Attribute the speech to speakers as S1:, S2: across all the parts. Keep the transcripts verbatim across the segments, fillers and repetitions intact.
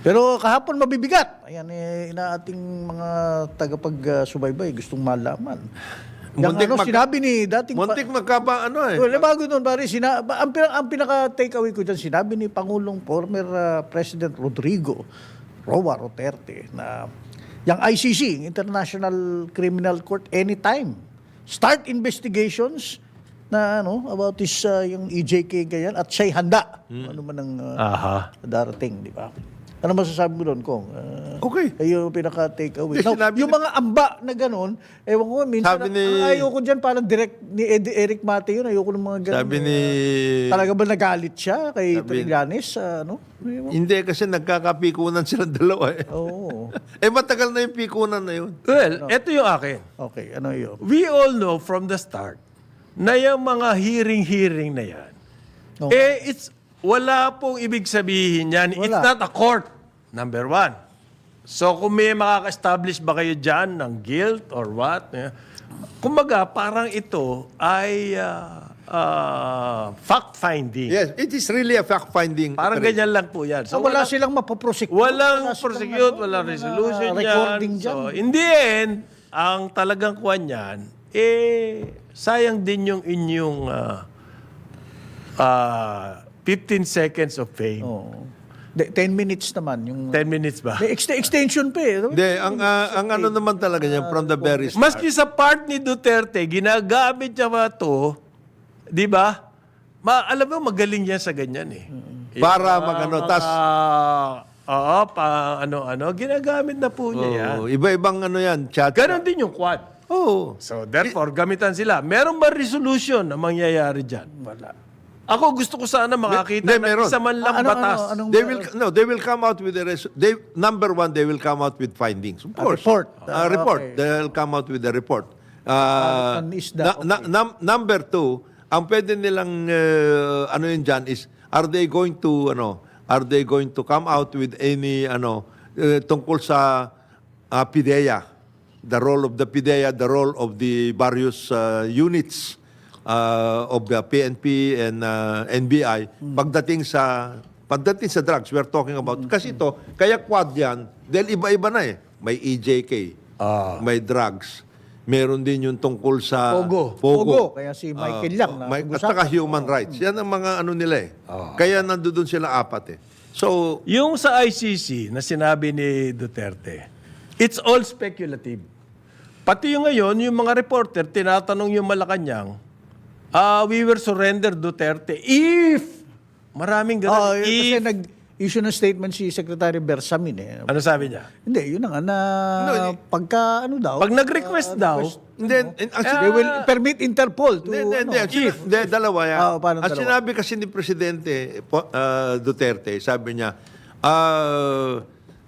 S1: Pero kahapon mabibigat. Ayan, eh, ina ating mga tagapag-subaybay gustong malaman. Yung
S2: Muntik
S1: ano,
S2: mag-
S1: sinabi ni dating...
S2: Muntik magkaba ano eh.
S1: Well, bago nun, pare, sina, ba- ang, pina- ang pinaka-takeaway ko dyan, sinabi ni Pangulong former uh, President Rodrigo Roa Duterte na yung I C C, International Criminal Court, anytime. Start investigations na ano about this uh, yung E J K ganyan at siya'y handa. Ano man ang uh,
S3: Aha.
S1: darating, di ba? Ano masasabi mo doon, Kong? Uh,
S2: Okay.
S1: Kayo yung pinaka-takeaway.
S2: Hindi,
S1: Now,
S2: sinabi
S1: yung
S2: ni-
S1: mga amba na gano'n, ewan ko, minsan,
S2: Sabi
S1: ang-
S2: ni-
S1: ang ayoko dyan, parang direct ni Ed- Eric Mate yun, ayoko ng mga gano'n.
S2: Sabi ni...
S1: Talaga ba nagalit siya kay
S2: Sabi-
S1: Trillanes? Uh, ano?
S2: Hindi kasi nagkakapikunan silang dalawa eh.
S1: Oo.
S2: Eh matagal na yung pikunan na yun.
S3: Well, eto yung akin.
S1: Okay, ano yun?
S3: We all know from the start na yung mga hearing-hearing na yan,
S1: Oo.
S3: eh, it's, wala pong ibig sabihin yan. It's
S1: Wala.
S3: not a court, number one. So, kung may makaka-establish ba kayo dyan ng guilt or what, eh, kumbaga, parang ito ay uh, uh, fact-finding.
S2: Yes, it is really a fact-finding.
S3: Parang
S2: operation.
S3: ganyan lang po yan.
S1: So, wala silang mapoprosecute.
S3: Walang
S1: Wala silang,
S3: prosecute,
S1: ano,
S3: walang
S1: mga
S3: resolution
S1: recording
S3: yan.
S1: dyan.
S3: So, in the end, ang talagang kuwan yan, eh, sayang din yung inyong uh, uh, fifteen seconds of fame.
S1: Oo. De, ten minutes naman. Yung,
S3: ten minutes ba?
S1: May ext- extension pa eh.
S2: Hindi, ang, ah, ang ano naman talaga niya, from the very start.
S3: Maski sa part ni Duterte, ginagamit niya ba ito, di ba? Ma, alam mo, magaling yan sa ganyan eh.
S2: Para magano, tas
S3: Ah, oo, pa ano-ano, ginagamit na po niya yan.
S2: oh, iba-ibang ano yan, chat.
S3: Ganon din yung quad.
S2: Oo.
S3: So therefore, gamitan sila. Meron ba resolution na mangyayari dyan? Wala. Ako gusto ko sana makakita
S2: Hindi,
S3: ng
S2: meron.
S3: isa man lang
S1: Ah, ano-
S3: batas.
S1: ano- anong-
S2: They will no, they will come out with a res- they number one they will come out with findings. Of course.
S1: report.
S2: A
S1: Ah,
S2: report.
S1: okay.
S2: They'll come out with a report. Uh,
S1: Ano is that?
S2: na- na- num- number two, ang pwede nilang uh, ano yun dyan is are they going to ano are they going to come out with any ano uh, tungkol sa uh, PIDEA, the role of the PIDEA, the role of the various uh, units uh, of the P N P and uh, N B I pagdating sa pagdating sa drugs we're talking about kasi ito kaya quad yan dahil iba-iba na eh may E J K may drugs meron din yung tungkol sa
S3: Pogo.
S1: Pogo. Kaya si Michael
S2: Ah,
S1: lang na
S2: may, at
S1: pag-usapan.
S2: saka human rights yan ang mga ano nila eh kaya nandoon sila apat eh so
S3: Yung sa I C C na sinabi ni Duterte, it's all speculative. Pati yung ngayon, yung mga reporter, tinatanong yung Malacanang, ah, we were surrender Duterte if, maraming
S1: Oo,
S3: ganun,
S1: kasi
S3: if,
S1: nag-issue ng statement si Secretary Bersamin eh.
S3: ano sabi niya?
S1: Hindi, yun na nga na
S2: No,
S1: pagka ano daw.
S3: Pag nag-request daw,
S2: and then and actually,
S1: they will permit Interpol to
S2: Hindi, hindi,
S1: ano,
S2: hindi. Ang sina- hindi, dalawa yan.
S1: Ah, paano
S2: Ang
S1: dalawa?
S2: sinabi kasi ni Presidente po- ah, Duterte, sabi niya, ah,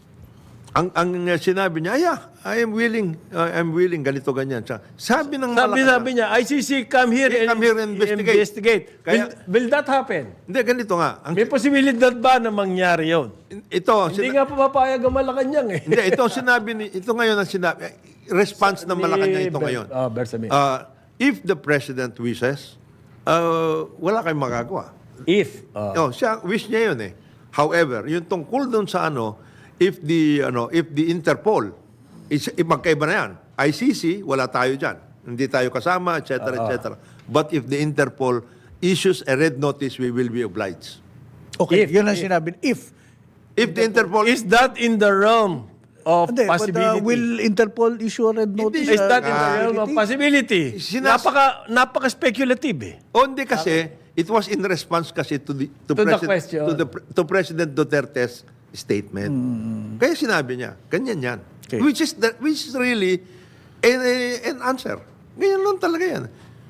S2: ang ang sinabi niya, yeah, I am willing, uh, I'm willing, ganito, ganyan. Sa- Sabi ng
S3: sabi,
S2: Malacanang-
S3: sabi niya, I C C, come here
S2: Yeah,
S3: and,
S2: come here and investigate.
S3: investigate.
S2: Kaya-
S3: will, will that happen?
S2: Hindi, ganito nga. Ang,
S3: May posibilidad ba na mangyari yun?
S2: ito,
S3: Hindi
S2: sina-
S3: nga papapayag ang Malacanang eh.
S2: hindi, ito ang sinabi ni, ito ngayon ang sinabi, response ng Malacanang ito
S3: Ni Ber-
S2: ngayon.
S3: Oh, Bersamin.
S2: Uh, if the President wishes, uh, wala kayong magagawa.
S3: if. oh.
S2: Oh, siya wish niya 'yun eh. However, yung tungkol doon sa ano, if the ano, if the Interpol is if magkaiba na 'yan. I C C, wala tayo diyan. Hindi tayo kasama, et cetera, et cetera. But if the Interpol issues a red notice, we will be obliged.
S1: Okay,
S3: If-
S1: yun ang sinabi. If.
S2: If the Interpol
S3: Is that in the realm of
S1: Hindi, but uh,
S3: possibility?
S1: will Interpol issue a red notice?
S3: Is
S1: uh,
S3: that in the
S2: Ah.
S3: realm of possibility?
S2: Sinas-
S3: Napaka, napaka-speculative eh.
S2: o hindi kasi it was in response kasi to the to,
S3: To the
S2: President
S3: question.
S2: to the to President Duterte's statement. Kaya sinabi niya, ganyan 'yan.
S1: Okay.
S2: Which is that which is really an, an answer. Ganyan lang talaga 'yan.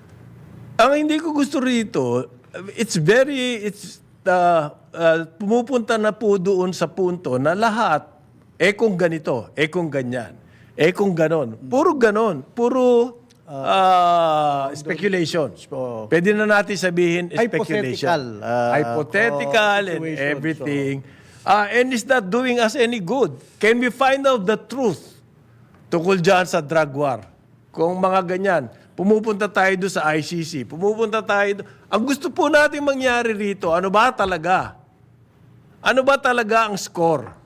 S3: Ang hindi ko gusto rito, it's very, it's, uh, uh, pumupunta na po doon sa punto na lahat, eh kung ganito, eh kung ganyan, eh kung ganon. Puro ganon. Puro uh, speculation.
S1: So,
S3: Pwede na natin sabihin speculation.
S1: Hypothetical, uh,
S3: Hypothetical
S1: oh,
S3: and
S1: situation.
S3: everything. Uh, and is not doing us any good. Can we find out the truth tungkol dyan sa drug war? Kung mga ganyan, pumupunta tayo doon sa I C C, pumupunta tayo doon. Ang gusto po natin mangyari rito, ano ba talaga? Ano ba talaga ang score?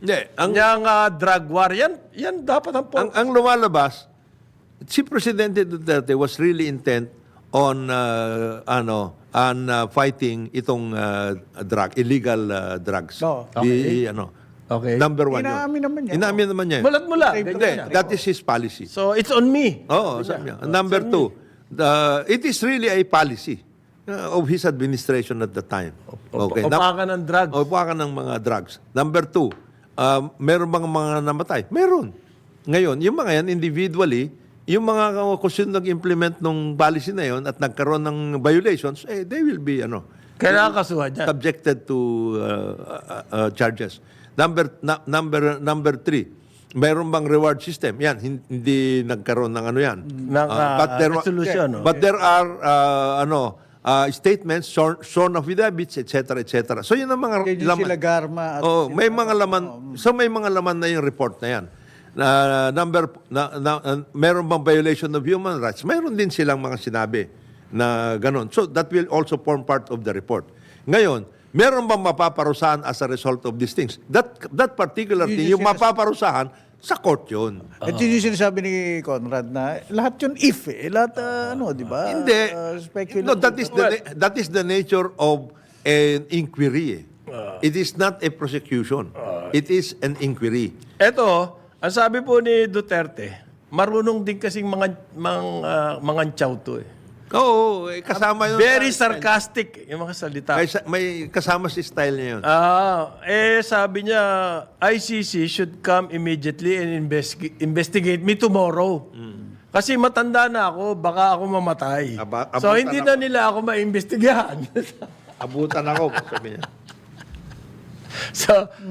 S2: Hindi, ang,
S3: Yang ah, drug war, yan, yan dapat ang,
S2: ang, ang lumalabas, si Presidente Duterte was really intent on uh, ano on uh, fighting itong uh, drug, illegal uh, drugs.
S1: Oo.
S2: Di, ano,
S3: Okay.
S2: Number one yun.
S1: Inaamin naman niya.
S2: Inaamin naman niya.
S3: Mulat-mula.
S2: Hindi, that is his policy.
S3: So, it's on me.
S2: Oo, sabi niya. Number two, the, it is really a policy uh, of his administration at the time. Okay. Num-
S3: Upakan ng drugs.
S2: O, upakan ng mga drugs. Number two, uh, meron bang mga namatay? Meron. Ngayon, yung mga yan, individually, yung mga kung sino nag-implement ng policy na yon at nagkaroon ng violations, eh, they will be, ano,
S3: Kailangan kasuhan dyan.
S2: subjected to uh, uh, uh, charges. Number na, number number three, mayroon bang reward system? Yan, hin- hindi nagkaroon ng ano yan.
S3: Ng,
S2: Uh,
S3: ah,
S2: but there wa-
S3: resolution, no?
S2: But there are uh, ano uh, statements, sworn, sworn affidavits, et cetera, et cetera. So yun ang mga
S1: Kaya yung sila Garma at
S2: Oh, may mga laman. So may mga laman na yung report na yan. Na number na, na, uh, meron bang violation of human rights? Meron din silang mga sinabi na ganon. So that will also form part of the report. Ngayon, meron bang mapaparusahan as a result of these things? That that particular
S1: Yun
S2: thing,
S1: yung
S2: yung mapaparusahan sa court yun.
S1: At yun yung sinasabi ni Conrad na lahat yun if eh. Lahat ah, ano, di ba?
S2: Hindi.
S1: Ah, speculative.
S2: No, that is the na- that is the nature of an inquiry. eh. It is not a prosecution. It is an inquiry.
S3: Eto, ang sabi po ni Duterte, marunong din kasing mga, mga, uh, mga chow to eh.
S2: Oo, eh, kasama yun.
S3: Very
S2: sa-
S3: sarcastic yung mga salita.
S2: May, sa- may kasama si style niya yun.
S3: Ah, eh sabi niya, I C C should come immediately and investi- investigate me tomorrow. Kasi matanda na ako, baka ako mamatay.
S2: Aba-
S3: so
S2: abutan
S3: hindi
S2: ako.
S3: na nila ako maimbestigahan.
S2: Abutan ako, sabi niya.
S3: so,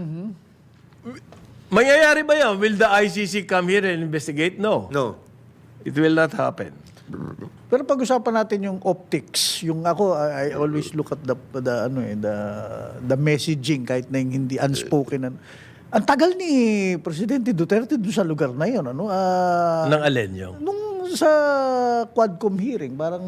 S3: mangyayari ba yan? Will the I C C come here and investigate? No.
S2: No.
S3: It will not happen.
S1: Pero pag-usapan natin yung optics, yung ako I, I always look at the the ano eh the the messaging kahit na yung hindi unspoken. Ano. Ang tagal ni Presidente Duterte doon sa lugar na 'yon, ano? Ah,
S3: Nang alin yung?
S1: nung sa Quadcom hearing, parang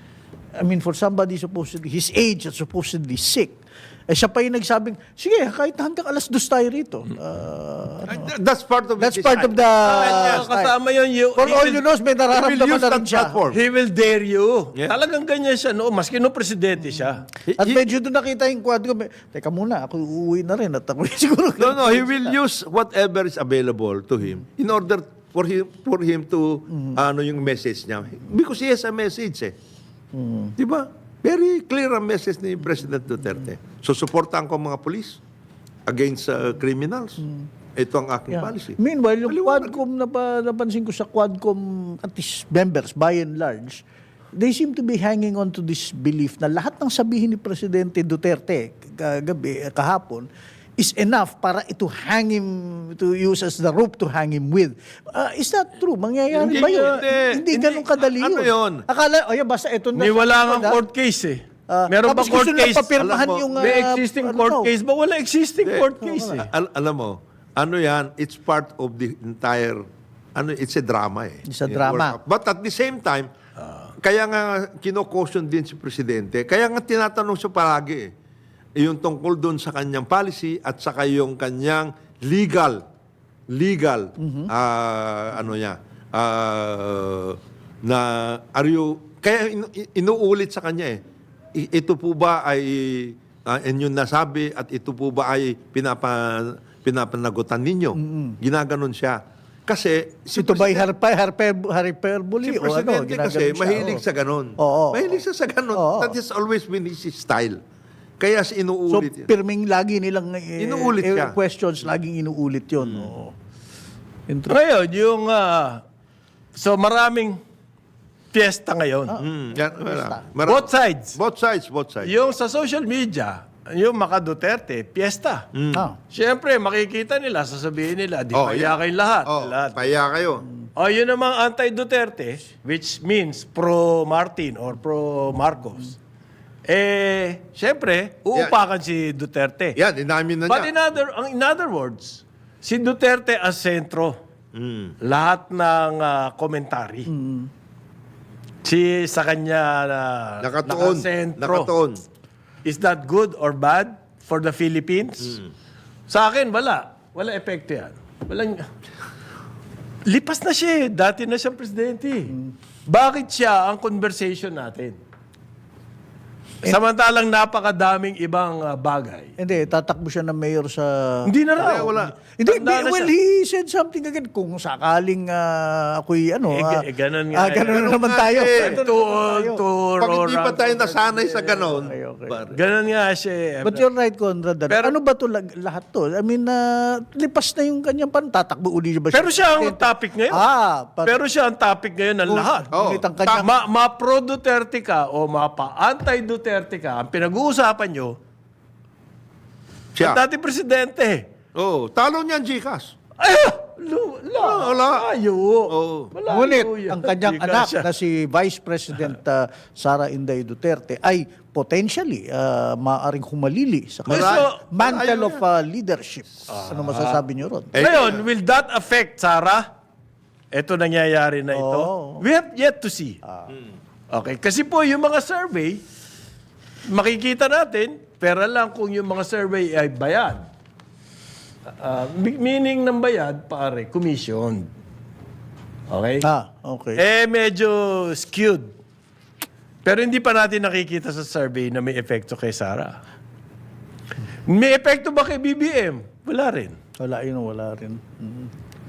S1: I mean for somebody supposedly his age at supposedly sick. Eh siya pa yung nagsabing, sige, kahit hanggang alas dos tayo rito. Ah,
S2: Uh, That's part of
S1: that's
S2: his
S1: part of
S2: style.
S1: the
S3: Ah, kasama yun. You,
S1: For
S3: he
S1: all
S3: will-
S1: you know, may
S2: He will
S1: nararamdaman
S2: use
S1: na
S2: that
S1: rin siya.
S2: platform.
S3: He will dare you.
S2: Yeah.
S3: Talagang ganyan siya. No? Maski no presidente siya.
S1: At medyo doon nakita yung quad ko, may- teka muna, ako uuwi na rin at ako siguro.
S2: No, no, he will use whatever is available to him in order for him for him to ano yung message niya. Because he has a message eh. Di ba? Very clear ang message ni President Duterte. So, supportan ko ang mga police against uh, criminals. Ito ang aking
S1: Yeah.
S2: policy.
S1: Meanwhile, yung Quadcom, napa, napansin ko sa Quadcom, at least members, by and large, they seem to be hanging on to this belief na lahat ng sabihin ni Presidente Duterte kagabi, eh, kahapon, is enough para ito hang him, to use as the rope to hang him with. Uh, is that true? Mangyayari
S2: Hindi,
S1: ba yun?
S2: hindi.
S1: Hindi,
S2: Hindi.
S1: ganun kadali
S2: Ano
S1: yun.
S2: yun?
S1: Akala, oh, yeah, basta ito na.
S3: May wala
S1: sa-
S3: nga court case eh.
S1: Ah,
S3: Meron ba
S1: tapos
S3: court
S1: gusto nila
S3: case?
S1: papirmahan
S2: Alam mo,
S1: yung,
S3: May
S1: ah,
S3: existing
S1: ano
S3: court
S1: daw.
S3: case ba? Wala existing court case eh.
S2: Al- alam mo, ano yan, it's part of the entire, ano, it's a drama eh.
S1: It's a drama.
S2: But at the same time, kaya nga kino-caution din si Presidente, kaya nga tinatanong siya palagi eh, yung tungkol doon sa kanyang policy at saka yung kanyang legal, legal, ah, ano niya, ah, na, are you, kaya inu- inuulit sa kanya eh, I- ito po ba ay uh, inyong nasabi at ito po ba ay pinapa, pinapanagutan ninyo? Ginaganon siya. Kasi si
S1: Ito ba
S2: President-
S1: harpa, harpe, harperbole
S2: si
S1: o ano?
S2: Presidente
S1: ginaganon
S2: kasi
S1: siya,
S2: mahilig
S1: oh.
S2: sa ganon.
S1: Oo.
S2: Mahilig siya sa ganon.
S1: Oo.
S2: That has always been his style. Kaya si
S1: So,
S2: inuulit yan.
S1: pirming lagi nilang eh,
S2: Inuulit
S1: eh,
S2: siya.
S1: questions, laging inuulit yun. Oo. Inter-
S3: Ngayon, yung... ah, so maraming fiesta ngayon.
S2: Mm, yan, wala. Mara-
S3: Both sides.
S2: Both sides, both sides.
S3: Yung sa social media, yung Maka Duterte, fiesta.
S1: Ah.
S3: Siyempre, makikita nila, sasabihin nila, di
S2: Oh,
S3: paya
S2: yan.
S3: kayo lahat.
S2: Oh,
S3: lahat.
S2: paya kayo.
S3: O yun namang anti-Duterte, which means pro-Martin or pro-Marcos. Eh, siyempre, uupakan si Duterte.
S2: Yan, inamin na
S3: But
S2: niya.
S3: in other, ang- in other words, si Duterte as sentro.
S2: Mm.
S3: Lahat ng ah, komentary. Si sa kanya na
S2: Nakatuon.
S3: nakasentro.
S2: Nakatuon.
S3: Is that good or bad for the Philippines? Sa akin, wala. Wala epekto yan. Walang... Lipas na siya eh. Dati na siyang presidente. Bakit siya ang conversation natin? Samantalang napakadaming ibang ah, bagay.
S1: Hindi, tatakbo siya ng mayor sa...
S3: Hindi na raw.
S2: Wala, wala.
S1: Hindi,
S3: Tanda na
S1: well,
S3: siya.
S1: he said something again. Kung sakaling ah, ako'y ano...
S3: Eh,
S1: ah,
S3: eh, ganun nga
S1: ah,
S3: eh.
S1: ganun na
S2: Ganun
S1: naman
S2: nga
S1: tayo.
S2: eh.
S1: Ganun
S3: To,
S1: na naman tayo.
S3: to,
S2: Pag hindi pa
S3: Rorang-
S2: tayo nasanay sa ganon,
S1: Okay, okay.
S2: pare.
S3: Ganun nga siya eh.
S1: But you're right, Conrad. ano-
S3: Pero-
S1: ano ba to lag- lahat to? I mean, ah, lipas na yung kanyang pan. Tatakbo uli ba siya?
S3: Pero siya ang topic ngayon.
S1: Ah, pat-
S3: Pero siya ang topic ngayon ng lahat.
S2: Oh.
S1: Ngunit ang kanyang...
S3: Ma, ma pro-Duterte ka o ma pa-anti-Duterte ka, ang pinag-uusapan nyo,
S2: Siya.
S3: ang dati presidente.
S2: Oh, talo niyan, Gcash.
S3: Ay! Lu, la,
S2: Wala.
S3: Malayo.
S2: Oo.
S3: Malayo
S1: Ngunit,
S3: yan.
S1: ang kanyang
S3: Di ka
S1: anak
S3: siya.
S1: na si Vice President ah, Sara Inday Duterte ay potentially ah, maaring humalili sa
S3: Well,
S1: kanyang
S3: so-
S1: mantle of ah, leadership. ano masasabi niyo ron?
S2: Eh,
S3: Ngayon, will that affect Sarah? Ito nangyayari na ito.
S1: Oo.
S3: We have yet to see. Okay. Kasi po, yung mga survey, makikita natin, pera lang kung yung mga survey ay bayad. Ah, mi- meaning ng bayad, pare, commission. Okay?
S1: Ah, okay.
S3: Eh, medyo skewed. Pero hindi pa natin nakikita sa survey na may epekto kay Sarah. May epekto ba kay B B M? Wala rin.
S1: Wala yun, wala rin. Mhm.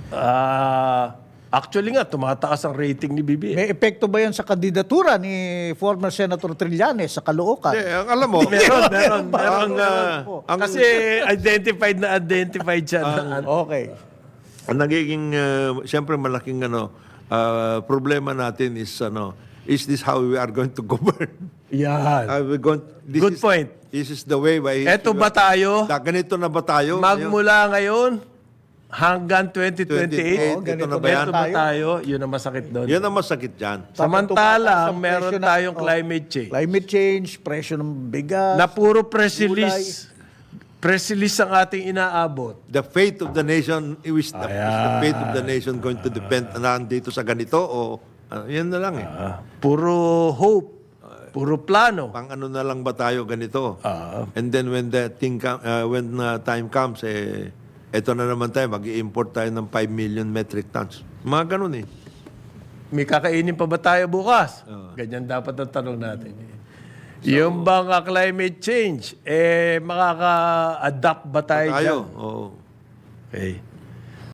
S3: Ah, actually nga, tumataas ang rating ni B B M.
S1: May epekto ba yan sa kandidatura ni former Senator Trillanes sa Caloocan?
S2: eh, ang alam mo,
S3: Meron, meron, meron.
S2: ang,
S3: ah,
S2: ah, ang,
S3: kasi identified na identified siya. na,
S1: Okay.
S2: ang nagiging, uh, siyempre malaking ano, ah, problema natin is, ano, is this how we are going to govern?
S3: yan.
S2: Are we going, this
S3: Good
S2: is,
S3: point.
S2: This is the way by...
S3: Eto ba tayo?
S2: Da, ganito na ba tayo?
S3: Magmula ngayon hanggang twenty twenty-eight,
S2: Oo,
S1: ganito
S2: ito na ba
S1: na
S2: yan?
S3: Ito ba tayo? Yun ang masakit doon.
S2: Yan ang masakit dyan.
S3: Samantalang
S1: Sa
S3: meron
S1: presyo ng-
S3: tayong
S1: oh,
S3: climate change.
S1: Climate change, presyo ng bigas.
S3: Na puro press release. Press release ang ating inaabot.
S2: The fate of the nation, is the, is the
S3: Ayan.
S2: fate of the nation going to depend na dito sa ganito o ah, yan na lang eh.
S3: Ah, puro hope. Puro plano.
S2: Pang ano na lang ba tayo ganito?
S3: Ah.
S2: And then when the thing com- uh, when uh, time comes eh eto na naman tayo mag-i-import tayo ng five million metric tons. Mga ganun eh.
S3: May kakainin pa ba tayo bukas? Ganyan dapat ang tanong natin. yung bang ah, climate change, eh, makaka-adapt ba tayo,
S2: Tayo.
S3: dyan?
S2: Oo.
S3: Okay.